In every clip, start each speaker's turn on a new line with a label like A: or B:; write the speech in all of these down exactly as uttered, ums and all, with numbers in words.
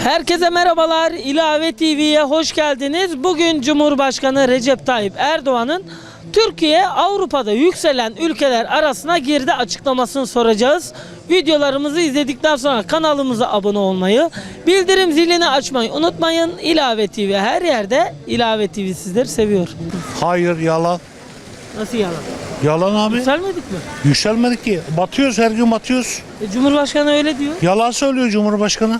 A: Herkese merhabalar. İlave T V'ye hoş geldiniz. Bugün Cumhurbaşkanı Recep Tayyip Erdoğan'ın Türkiye Avrupa'da yükselen ülkeler arasına girdi açıklamasını soracağız. Videolarımızı izledikten sonra kanalımıza abone olmayı, bildirim zilini açmayı unutmayın. İlave T V her yerde. İlave T V sizleri seviyor.
B: Hayır, yalan.
A: Nasıl yalan?
B: Yalan abi.
A: Yükselmedik mi?
B: Yükselmedik ki. Batıyoruz, her gün batıyoruz.
A: E, Cumhurbaşkanı öyle diyor.
B: Yalan söylüyor Cumhurbaşkanı.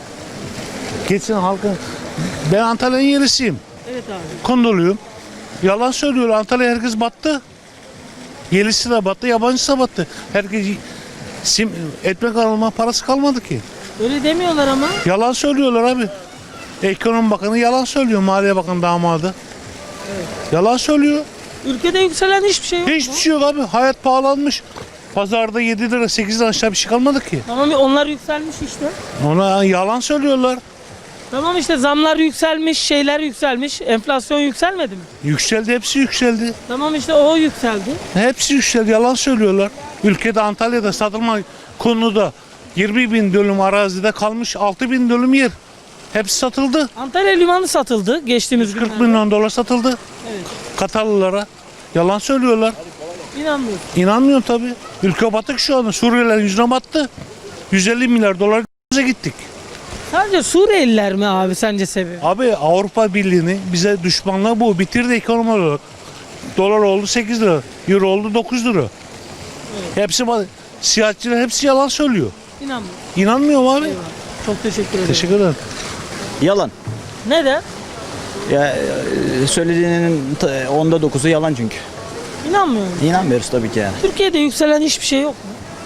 B: Geçsin halkın. Ben Antalya'nın yerisiyim.
A: Evet abi.
B: Kondoluyum. Yalan söylüyor. Antalya herkes battı. Yerlisi de battı, yabancısı da battı. Herkes sim, ekmek alma parası kalmadı ki.
A: Öyle demiyorlar ama.
B: Yalan söylüyorlar abi. Ekonomi Bakanı yalan söylüyor. Maliye Bakanı damadı.
A: Evet.
B: Yalan söylüyor.
A: Ülkede yükselen hiçbir şey yok.
B: Hiçbir
A: mu?
B: şey yok abi. Hayat pahalanmış. Pazarda yedi lira sekiz lira aşağı bir şey kalmadı ki.
A: Tamam onlar yükselmiş işte.
B: Ona yalan söylüyorlar.
A: Tamam işte zamlar yükselmiş, şeyler yükselmiş. Enflasyon yükselmedi mi?
B: Yükseldi, hepsi yükseldi.
A: Tamam işte o yükseldi.
B: Hepsi yükseldi, yalan söylüyorlar. Ülkede Antalya'da satılma konuda yirmi bin dönüm arazide kalmış altı bin dönüm yer. Hepsi satıldı.
A: Antalya limanı satıldı geçtiğimiz
B: kırk
A: günlerde.
B: milyon dolar satıldı.
A: Evet.
B: Katarlılara. Yalan söylüyorlar.
A: İnanmıyorum.
B: İnanmıyorum tabii. Ülke batık şu anda. Suriyeliler yüzüne battı. yüz elli milyar dolar bize gittik.
A: Sadece Suriyeliler mi abi sence seviyor?
B: Abi Avrupa Birliği'ni bize düşmanlığı bu. Bitirdi ekonomi olarak. Dolar oldu sekiz lira. Euro oldu dokuz lira.
A: Evet.
B: Hepsi siyasetçiler hepsi yalan söylüyor.
A: İnanmıyorum.
B: İnanmıyorum abi.
A: Eyvallah. Çok teşekkür ederim.
B: Teşekkür ederim.
C: Yalan.
A: Neden?
C: Ya e, söylediğinin ta- onda dokuzu yalan çünkü.
A: İnanmıyorum.
C: İnanmıyoruz tabii ki yani.
A: Türkiye'de yükselen hiçbir şey yok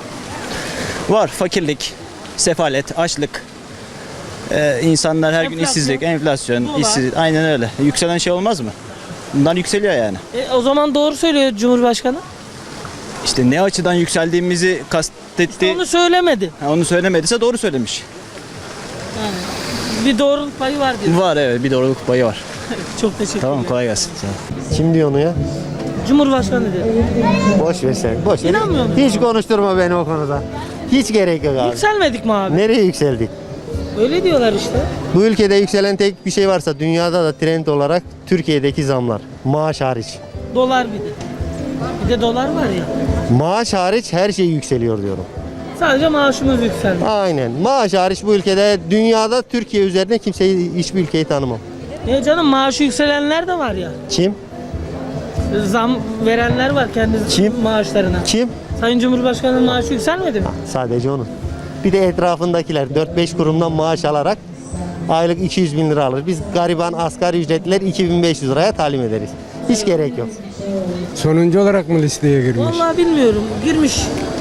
A: mu?
C: Var fakirlik, sefalet, açlık. Ee, insanlar her gün
A: Enflasyon.
C: işsizlik, enflasyon,
A: Dolar.
C: işsizlik. Aynen öyle. Yükselen şey olmaz mı? Bunlar yükseliyor yani.
A: E, o zaman doğru söylüyor Cumhurbaşkanı.
C: İşte ne açıdan yükseldiğimizi kastetti.
A: İşte onu söylemedi.
C: Ha, onu söylemediyse doğru söylemiş.
A: Yani bir doğruluk payı var diyor.
C: Var evet, bir doğruluk payı var.
A: Çok teşekkür
C: Tamam,
A: ederim.
C: kolay gelsin.
D: Kim diyor onu ya?
A: Cumhurbaşkanı diyor.
D: Boş ver sen. Boş ver.
A: İnanmıyor musun?
D: Hiç konuşturma beni o konuda. Hiç gerek yok abi.
A: Yükselmedik mi abi?
D: Nereye yükseldik?
A: Öyle diyorlar işte.
D: Bu ülkede yükselen tek bir şey varsa dünyada da trend olarak Türkiye'deki zamlar. Maaş hariç.
A: Dolar bir de. Bir de dolar var ya.
D: Maaş hariç her şey yükseliyor diyorum.
A: Sadece maaşımız yükseldi.
D: Aynen. Maaş hariç bu ülkede dünyada Türkiye üzerine kimseyi hiçbir ülkeyi tanımam.
A: Niye canım maaşı yükselenler de var ya.
D: Kim?
A: Zam verenler var kendi
D: Kim?
A: maaşlarına.
D: Kim?
A: Sayın Cumhurbaşkanı'nın maaşı yükselmedi mi?
D: Sadece onun. Bir de etrafındakiler dört beş kurumdan maaş alarak aylık iki yüz bin lira alır. Biz gariban asgari ücretliler iki bin beş yüz liraya talim ederiz. Hiç gerek yok.
E: Sonuncu olarak mı listeye girmiş?
A: Vallahi bilmiyorum. Girmiş.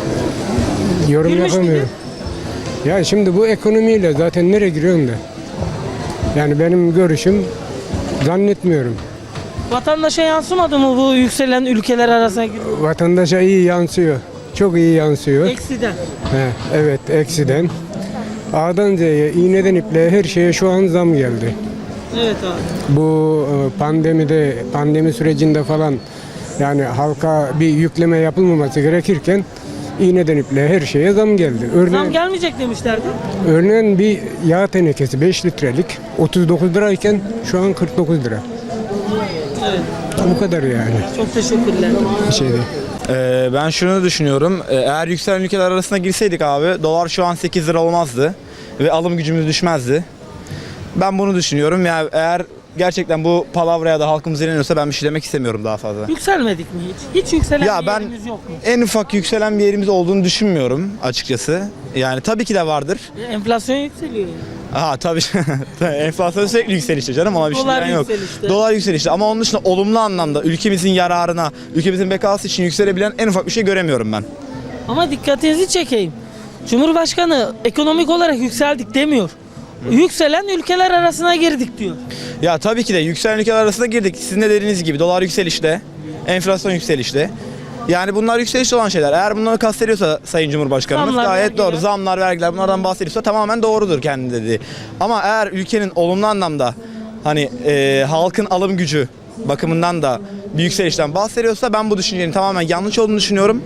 E: Yorum
A: girmiş
E: yapamıyorum. Ya şimdi bu ekonomiyle zaten nereye giriyorsun da? Yani benim görüşüm zannetmiyorum.
A: Vatandaşa yansımadı mı bu yükselen ülkeler arasına girdi?
E: Vatandaşa iyi yansıyor. Çok iyi yansıyor.
A: Eksiden.
E: He, evet eksiden. A'dan Z'ye, iğneden ipliğe her şeye şu an zam geldi.
A: Evet abi.
E: Bu e, pandemide, pandemi sürecinde falan yani halka bir yükleme yapılmaması gerekirken iğneden ipliğe her şeye zam geldi.
A: Zam
E: Örneğin,
A: gelmeyecek demişlerdi.
E: örneğin bir yağ tenekesi beş litrelik otuz dokuz lirayken şu an kırk dokuz lira.
A: Evet.
E: Bu kadar yani.
A: Çok teşekkürler.
E: Bir şey değil.
F: Ee, ben şunu düşünüyorum. Ee, Eğer yükselen ülkeler arasına girseydik abi dolar şu an sekiz lira olmazdı ve alım gücümüz düşmezdi. Ben bunu düşünüyorum. Yani eğer gerçekten bu palavraya da halkımız inanıyorsa ben bir şey demek istemiyorum daha fazla.
A: Yükselmedik mi hiç? Hiç yükselen
F: Ya
A: bir
F: ben
A: yerimiz yok mu?
F: en ufak yükselen bir yerimiz olduğunu düşünmüyorum açıkçası. Yani tabii ki de vardır.
A: E, Enflasyon yükseliyor yani.
F: Aha tabii. Enflasyon sürekli yükselişte canım, ona bir şey
A: Dolar
F: diyen yok.
A: yükselişte.
F: Dolar yükselişte ama onun dışında olumlu anlamda ülkemizin yararına, ülkemizin bekası için yükselebilen en ufak bir şey göremiyorum ben.
A: Ama dikkatinizi çekeyim. Cumhurbaşkanı ekonomik olarak yükseldik demiyor. Yükselen ülkeler arasına girdik diyor.
F: Ya tabii ki de yükselen ülkeler arasında girdik. Sizin de dediğiniz gibi dolar yükselişte, enflasyon yükselişte. Yani bunlar yükselişte olan şeyler. Eğer bunları kastediyorsa Sayın Cumhurbaşkanımız
A: Zamlar,
F: gayet
A: vergiler.
F: doğru. Zamlar, vergiler bunlardan bahsediyorsa tamamen doğrudur kendi dediği. Ama eğer ülkenin olumlu anlamda hani e, halkın alım gücü bakımından da bir yükselişten bahsediyorsa ben bu düşüncenin tamamen yanlış olduğunu düşünüyorum.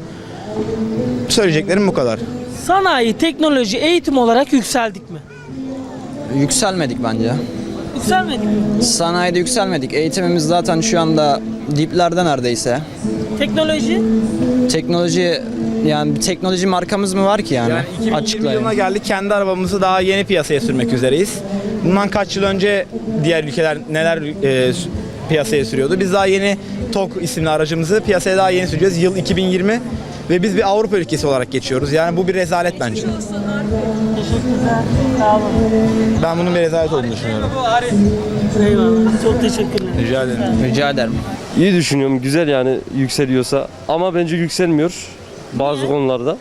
F: Söyleyeceklerim bu kadar.
A: Sanayi, teknoloji, eğitim olarak yükseldik mi?
C: Yükselmedik bence.
A: Yükselmedik mi?
C: Sanayide yükselmedik. Eğitimimiz zaten şu anda diplerde neredeyse.
A: Teknoloji?
C: Teknoloji yani bir teknoloji markamız mı var ki yani?
F: Yani iki bin yirmi
C: Açıklayın.
F: yılına geldik. Kendi arabamızı daha yeni piyasaya sürmek üzereyiz. Bundan kaç yıl önce diğer ülkeler neler e, s- piyasaya sürüyordu? Biz daha yeni TOG isimli aracımızı piyasaya daha yeni süreceğiz. Yıl iki bin yirmi ve biz bir Avrupa ülkesi olarak geçiyoruz. Yani bu bir rezalet bence.
A: Teşekkürler. Sağ olun.
F: Ben bunun bir rezalet olduğunu düşünüyorum.
A: Eyvallah. Çok teşekkürler.
F: Rica ederim.
C: Rica ederim.
G: İyi düşünüyorum, güzel yani yükseliyorsa ama bence yükselmiyor bazı konularda.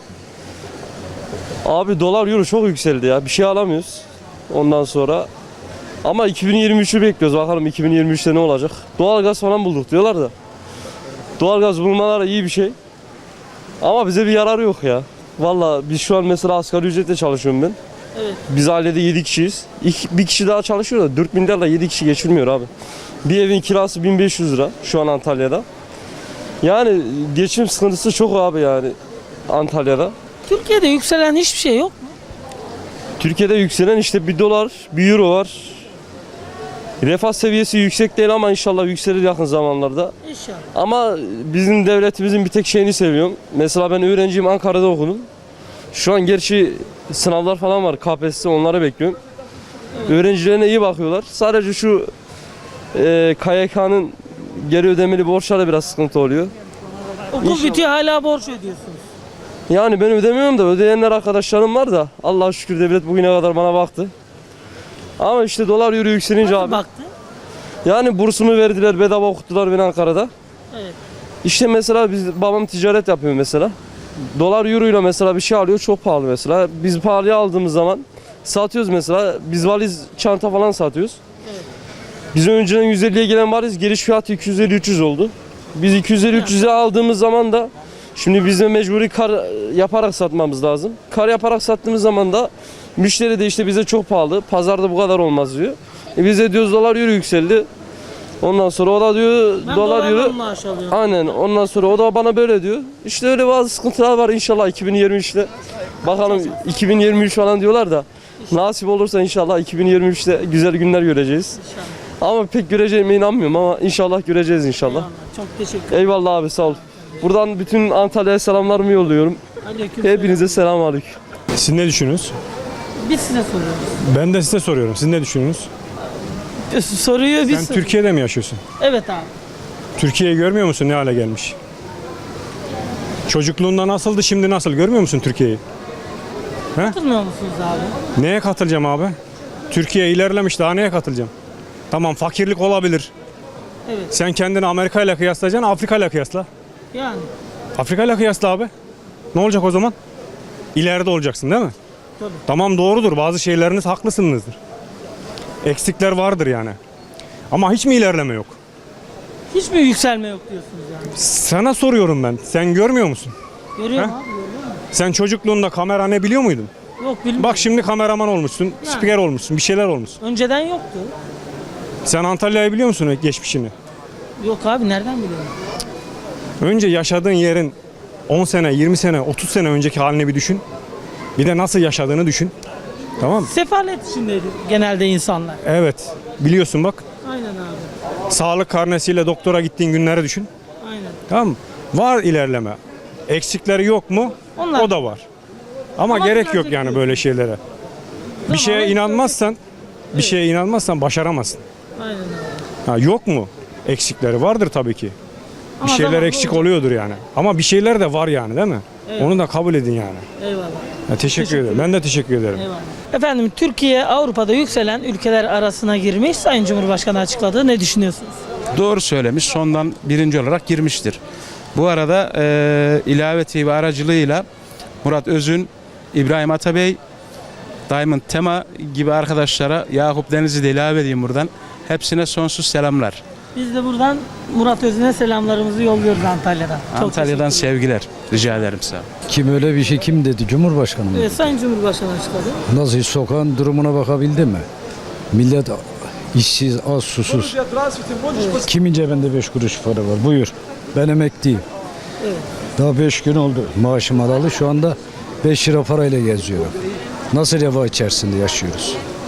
G: Abi dolar euro çok yükseldi ya, bir şey alamıyoruz ondan sonra. Ama iki bin yirmi üçü bekliyoruz, bakalım iki bin yirmi üçte ne olacak. Doğalgaz falan bulduk diyorlar da. Doğalgaz bulmaları iyi bir şey. Ama bize bir yararı yok ya. Valla biz şu an mesela asgari ücretle çalışıyorum ben.
A: Evet.
G: Biz ailede yedi kişiyiz. İki, bir kişi daha çalışıyor da dört bin lirayla yedi kişi geçirmiyor abi. Bir evin kirası bin beş yüz lira şu an Antalya'da. Yani geçim sıkıntısı çok abi yani Antalya'da.
A: Türkiye'de yükselen hiçbir şey yok mu?
G: Türkiye'de yükselen işte bir dolar, bir euro var. Refah seviyesi yüksek değil ama inşallah yükselir yakın zamanlarda.
A: İnşallah.
G: Ama bizim devletimizin bir tek şeyini seviyorum. Mesela ben öğrenciyim, Ankara'da okudum. Şu an gerçi sınavlar falan var, K P S S, onları bekliyorum. Öğrencilerine iyi bakıyorlar. Sadece şu e, K Y K'nın geri ödemeli borçları biraz sıkıntı oluyor.
A: Okul
G: İnşallah.
A: bitiyor hala borç ödüyorsunuz.
G: Yani ben ödemiyorum da ödeyenler arkadaşlarım var da Allah'a şükür devlet bugüne kadar bana baktı. Ama işte dolar euro yükselince
A: Nasıl
G: abi.
A: baktı?
G: Yani bursumu verdiler, bedava okuttular beni Ankara'da.
A: Evet.
G: İşte mesela biz, babam ticaret yapıyor mesela. Dolar euro ile mesela bir şey alıyor, çok pahalı mesela. Biz pahalıya aldığımız zaman satıyoruz mesela. Biz valiz, çanta falan satıyoruz.
A: Evet.
G: Biz önceden yüz elliye gelen valiz giriş fiyatı iki yüz elli üç yüz oldu. Biz iki yüz elli üç yüze aldığımız zaman da şimdi biz de mecburi kar yaparak satmamız lazım. Kar yaparak sattığımız zaman da müşteri de işte bize çok pahalı, pazarda bu kadar olmaz diyor. E biz de diyoruz dolar euro yükseldi. Ondan sonra o da diyor
A: Ben
G: dolar
A: dolarla
G: euro.
A: maaş alıyorum.
G: Aynen, ondan sonra o da bana böyle diyor. İşte öyle bazı sıkıntılar var inşallah iki bin yirmi üçte. Bakalım iki bin yirmi üç falan diyorlar da nasip olursa inşallah iki bin yirmi üçte güzel günler göreceğiz. Ama pek göreceğime inanmıyorum ama inşallah göreceğiz inşallah.
A: Eyvallah. Çok teşekkür ederim.
G: Eyvallah abi, sağ ol. Buradan bütün Antalya'ya selamlarımı yolluyorum.
A: Aleykümselam.
G: Hepinize selam aleyküm.
H: Siz ne düşünüyorsunuz?
A: Biz size soruyoruz.
H: Ben de size soruyorum. Siz ne düşünüyorsunuz?
A: Soruyu biz
H: Sen
A: soruyoruz.
H: Türkiye'de mi yaşıyorsun?
A: Evet abi.
H: Türkiye'yi görmüyor musun ne hale gelmiş? Çocukluğunda nasıldı, şimdi nasıl? Görmüyor musun Türkiye'yi?
A: Katılmıyor musunuz abi?
H: Neye katılacağım abi? Türkiye ilerlemiş, daha neye katılacağım? Tamam, fakirlik olabilir.
A: Evet.
H: Sen kendini Amerika ile kıyaslayacaksın, Afrika ile kıyasla.
A: Yani.
H: Afrika ile kıyasla abi. Ne olacak o zaman? İleride olacaksın değil mi?
A: Tabii.
H: Tamam, doğrudur. Bazı şeyleriniz haklısınızdır. Eksikler vardır yani. Ama hiç mi ilerleme yok?
A: Hiç mi yükselme yok diyorsunuz yani?
H: Sana soruyorum ben. Sen görmüyor musun?
A: Görüyorum
H: He?
A: abi, görüyorum.
H: Sen çocukluğunda kamera ne biliyor muydun?
A: Yok bilmiyorum.
H: Bak şimdi kameraman olmuşsun, spiker olmuşsun, bir şeyler olmuşsun.
A: Önceden yoktu.
H: Sen Antalya'yı biliyor musun geçmişini?
A: Yok abi nereden biliyorum?
H: Önce yaşadığın yerin on sene, yirmi sene, otuz sene önceki halini bir düşün. Bir de nasıl yaşadığını düşün. Tamam mı?
A: Sefalet içindeydi genelde insanlar.
H: Evet. Biliyorsun bak.
A: Aynen abi.
H: Sağlık karnesiyle doktora gittiğin günleri düşün.
A: Aynen.
H: Tamam mı? Var ilerleme. Eksikleri yok mu?
A: Onlar-
H: O da var. Ama,
A: Ama
H: gerek yok
A: düzelecek
H: yani
A: diyorsun.
H: böyle şeylere. Bir şeye
A: Tamamen
H: inanmazsan, bir şeye inanmazsan başaramazsın.
A: Aynen abi.
H: Ha, yok mu? Eksikleri vardır tabii ki. Bir
A: Ama
H: şeyler
A: zamanla
H: eksik
A: olacak.
H: oluyordur yani. Ama bir şeyler de var yani değil mi?
A: Evet.
H: Onu da kabul edin yani.
A: Eyvallah.
H: Ya, teşekkür, ederim. Ben de teşekkür ederim.
A: Eyvallah. Efendim Türkiye Avrupa'da yükselen ülkeler arasına girmiş. Sayın Cumhurbaşkanı açıkladı. Ne düşünüyorsunuz?
I: Doğru söylemiş. Sondan birinci olarak girmiştir. Bu arada e, ilave T V aracılığıyla Murat Özün, İbrahim Atabey, Diamond Tema gibi arkadaşlara, Yakup Deniz'i de ilave edeyim buradan. Hepsine sonsuz selamlar.
A: Biz de buradan Murat Özün'e selamlarımızı yolluyoruz Antalya'dan. Çok
I: Antalya'dan
A: teşekkür
I: sevgiler. Rica ederim sağ olun.
J: Kim öyle bir şey kim dedi? Cumhurbaşkanı mı?
A: ederim. Evet, Sayın Cumhurbaşkanı açıkladı.
J: Nasıl sokağın durumuna bakabildi mi? Millet işsiz, az, susuz. Kimin cebinde beş kuruş para var? Buyur. Ben emekliyim.
A: Evet.
J: Daha beş gün oldu maaşım alalı. Şu anda beş lira parayla geziyorum. Nasıl refah içerisinde yaşıyoruz?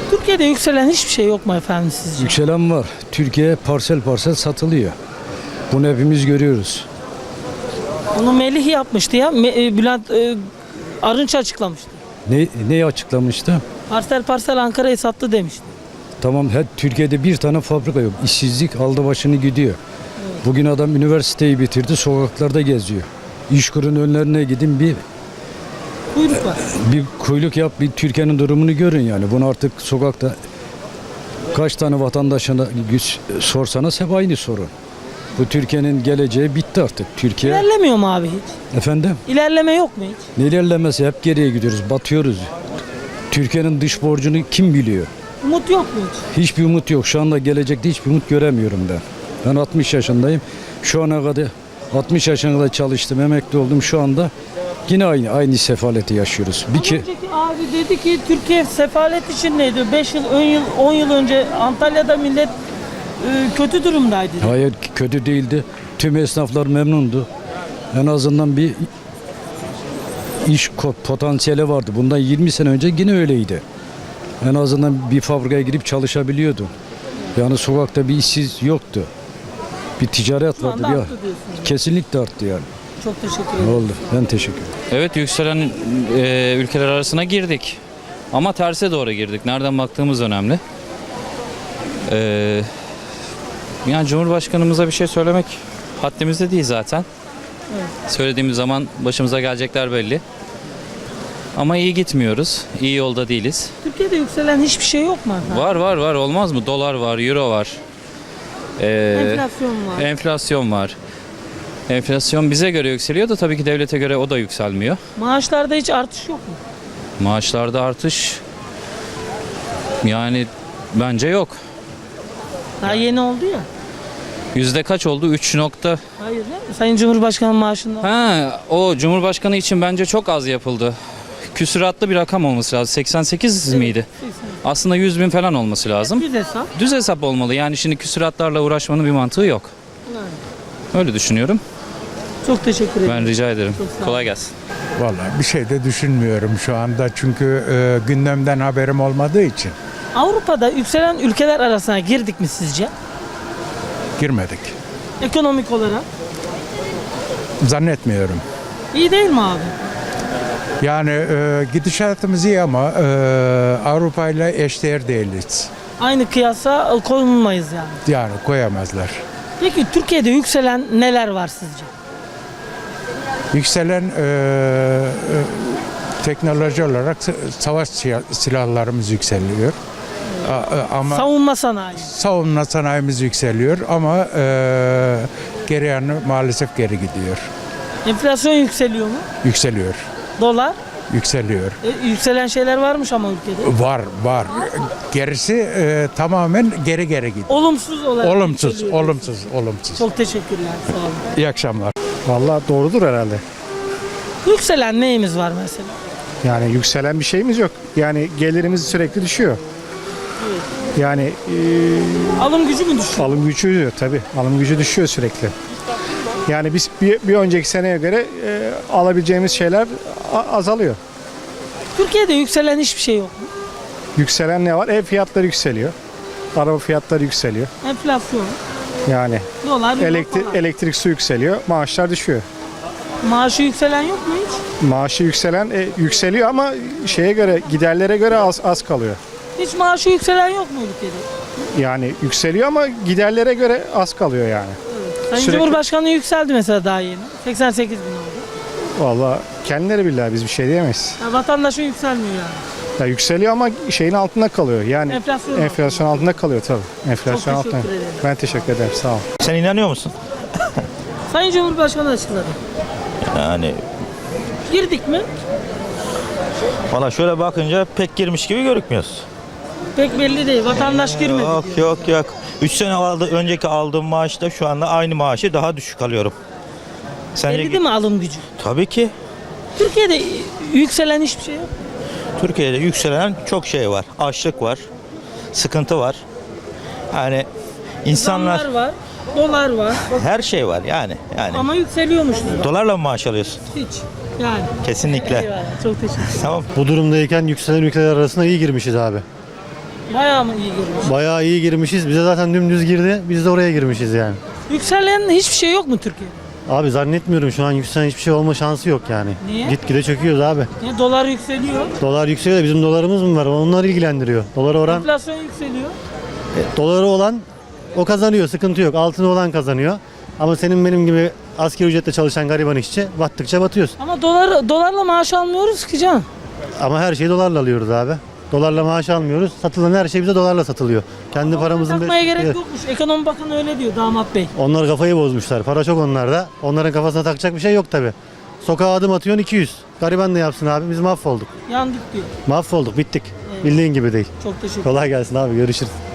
A: Türkiye'de yükselen hiçbir şey yok mu efendim sizce?
J: Yükselen var. Türkiye parsel parsel satılıyor. Bunu hepimiz görüyoruz.
A: Onu Melih yapmıştı ya. Me- e, Bülent e, Arınç açıklamıştı.
J: Ne, neyi açıklamıştı?
A: Parsel parsel Ankara'yı sattı demişti.
J: Tamam, her Türkiye'de bir tane fabrika yok. İşsizlik aldı başını gidiyor. Bugün adam üniversiteyi bitirdi, sokaklarda geziyor. İşkurun önlerine gidin, bir
A: Kuyruk var.
J: bir kuyruk yap, bir Türkiye'nin durumunu görün yani. Bunu artık sokakta kaç tane vatandaşına güç sorsanız hep aynı sorun. Bu Türkiye'nin geleceği bitti artık. Türkiye,
A: İlerlemiyor mu abi hiç?
J: efendim,
A: İlerleme yok mu hiç?
J: ne ilerlemesi, hep geriye gidiyoruz, batıyoruz. Türkiye'nin dış borcunu kim biliyor?
A: Umut yok mu hiç?
J: Hiçbir umut yok. Şu anda gelecekte hiçbir umut göremiyorum ben. Ben altmış yaşındayım. Şu ana kadar altmış yaşına kadar çalıştım, emekli oldum. Şu anda yine aynı aynı sefaleti yaşıyoruz. Bir
A: Az
J: ki
A: önceki abi dedi ki Türkiye sefalet içindeydi. beş yıl, on yıl, on yıl önce Antalya'da millet e, kötü durumdaydı.
J: hayır, kötü değildi. Tüm esnaflar memnundu. En azından bir iş ko- potansiyeli vardı. Bundan yirmi sene önce yine öyleydi. En azından bir fabrikaya girip çalışabiliyordu. Yani sokakta bir işsiz yoktu. Bir ticaret
A: Şu
J: vardı.
A: anda
J: Bir,
A: arttı diyorsunuz.
J: kesinlikle arttı yani.
A: Çok teşekkür
J: Ne
A: ederim.
J: oldu? Ben teşekkür ederim.
K: Evet, yükselen e, ülkeler arasına girdik. Ama terse doğru girdik. Nereden baktığımız önemli. Ee, yani Cumhurbaşkanımıza bir şey söylemek haddimizde değil zaten. Söylediğimiz zaman başımıza gelecekler belli. Ama iyi gitmiyoruz. İyi yolda değiliz.
A: Türkiye'de yükselen hiçbir şey yok mu efendim?
K: Var var var, olmaz mı? Dolar var, euro var. Ee,
A: Enflasyon var.
K: enflasyon var. Enflasyon bize göre yükseliyor da tabii ki devlete göre o da yükselmiyor.
A: Maaşlarda hiç artış yok mu?
K: Maaşlarda artış yani bence yok.
A: Daha yeni oldu ya.
K: Yüzde kaç oldu? üç nokta.
A: Hayır ya. Sayın Cumhurbaşkanı maaşında.
K: Ha, o Cumhurbaşkanı için bence çok az yapıldı. Küsuratlı bir rakam olması lazım. seksen sekiz miydi? Aslında yüz bin falan olması lazım.
A: Düz hesap.
K: Düz hesap olmalı. Yani şimdi küsuratlarla uğraşmanın bir mantığı yok. Öyle düşünüyorum.
A: Çok teşekkür ederim.
K: Ben rica ederim.
A: Çok sağ olun.
K: Kolay gelsin.
L: Vallahi bir şey de düşünmüyorum şu anda çünkü e, gündemden haberim olmadığı için
A: Avrupa'da yükselen ülkeler arasına girdik mi sizce?
L: girmedik.
A: Ekonomik olarak.
L: Zannetmiyorum.
A: İyi değil mi abi?
L: Yani e, gidişatımız iyi ama e, Avrupa ile eşdeğer değiliz.
A: Aynı kıyasa konulmayız yani.
L: Yani koyamazlar.
A: Peki Türkiye'de yükselen neler var sizce?
L: Yükselen e, e, teknoloji olarak s- savaş siya- silahlarımız yükseliyor. A- a- ama
A: Savunma sanayi.
L: savunma sanayimiz yükseliyor ama e, geri yanı maalesef geri gidiyor.
A: Enflasyon yükseliyor mu?
L: Yükseliyor.
A: Dolar.
L: Yükseliyor.
A: E, yükselen şeyler varmış ama ülkede.
L: Var var. Gerisi e, tamamen geri geri gidiyor.
A: Olumsuz olarak
L: Olumsuz,
A: yükseliyor.
L: olumsuz, olumsuz.
A: Çok teşekkürler. Sağ olun.
L: İyi akşamlar.
M: Vallahi doğrudur herhalde.
A: Yükselen neyimiz var mesela?
M: Yani yükselen bir şeyimiz yok. Yani gelirimiz sürekli düşüyor. Yani e,
A: Alım gücü mü düşüyor?
M: alım gücü düşüyor tabii. Alım gücü düşüyor sürekli. Yani biz bir, bir önceki seneye göre e, alabileceğimiz şeyler a- azalıyor.
A: Türkiye'de yükselen hiçbir şey yok mu?
M: Yükselen ne var? Ev fiyatları yükseliyor. Araba fiyatları yükseliyor.
A: Enflasyon,
M: Yani
A: dolar, euro
M: elektrik
A: falan.
M: elektrik su yükseliyor. Maaşlar düşüyor.
A: Maaşı yükselen yok mu hiç?
M: Maaşı yükselen e, yükseliyor ama şeye göre giderlere göre az az kalıyor.
A: Hiç maaşı yükselen yok mu ülkede?
M: Yani yükseliyor ama giderlere göre az kalıyor yani.
A: Sayın
M: Sürekli-
A: Cumhurbaşkanı yükseldi mesela daha yeni. seksen sekiz bin oldu.
M: Vallahi kendileri billahi biz bir şey diyemeyiz.
A: Ya vatandaşın yükselmiyor yani.
M: Ya yükseliyor ama şeyin altında kalıyor. Yani
A: Enflasyon
M: enflasyon altında kalıyor tabii. Enflasyon
A: Çok
M: altında.
A: teşekkür ederim.
M: Ben teşekkür ederim. Sağ ol.
N: Sen inanıyor musun?
A: Sayın Cumhurbaşkanı açıkladı.
N: Yani
A: Girdik mi?
N: valla şöyle bakınca pek girmiş gibi görükmüyoruz.
A: Pek belli değil. Vatandaş girmedi
N: Yok
A: diyor.
N: yok yok. üç sene aldı, önceki aldığım maaşta şu anda aynı maaşı daha düşük alıyorum. Sence
A: Belli değil mi alım gücü?
N: Tabii ki.
A: Türkiye'de yükselen hiçbir şey yok.
N: Türkiye'de yükselen çok şey var. Açlık var. Sıkıntı var. Yani insanlar
A: Zamlar var, dolar var
N: her şey var yani. Yani
A: ama yükseliyormuş.
N: dolarla mı maaş alıyorsun?
A: Hiç. Yani.
N: Kesinlikle.
A: Eyvallah. Çok teşekkür ederim.
N: Tamam.
B: Bu durumdayken yükselen ülkeler arasına iyi girmişiz abi.
A: Bayağı mı iyi girmiş?
D: Bayağı iyi girmişiz. Bize zaten dümdüz girdi. Biz de oraya girmişiz yani.
A: Yükselen hiçbir şey yok mu Türkiye'de?
D: Abi zannetmiyorum şu an yükselen hiçbir şey olma şansı yok yani.
A: Niye?
D: Gitgide çöküyoruz abi.
A: Niye dolar yükseliyor?
D: Dolar yükseliyor da bizim dolarımız mı var? Onlar ilgilendiriyor. Dolar oran,
A: Enflasyon yükseliyor.
D: e, doları olan o kazanıyor. Sıkıntı yok. Altını olan kazanıyor. Ama senin benim gibi asgari ücretle çalışan gariban işçi battıkça batıyoruz.
A: Ama dolar dolarla maaş almıyoruz ki can.
D: Ama her şeyi dolarla alıyoruz abi. Dolarla maaş almıyoruz. Satılan her şey bize dolarla satılıyor. Kendi paramızın...
A: Takmaya
D: beş-
A: gerek yokmuş. Ekonomi Bakanı öyle diyor damat bey.
D: Onlar kafayı bozmuşlar. Para çok onlarda. Onların kafasına takacak bir şey yok tabi. Sokağa adım atıyorsun iki yüz. Gariban ne yapsın abi? Biz mahvolduk.
A: Yandık diyor.
D: Mahvolduk, bittik. Bildiğin gibi değil.
A: Çok teşekkür ederim.
D: Kolay gelsin abi, görüşürüz.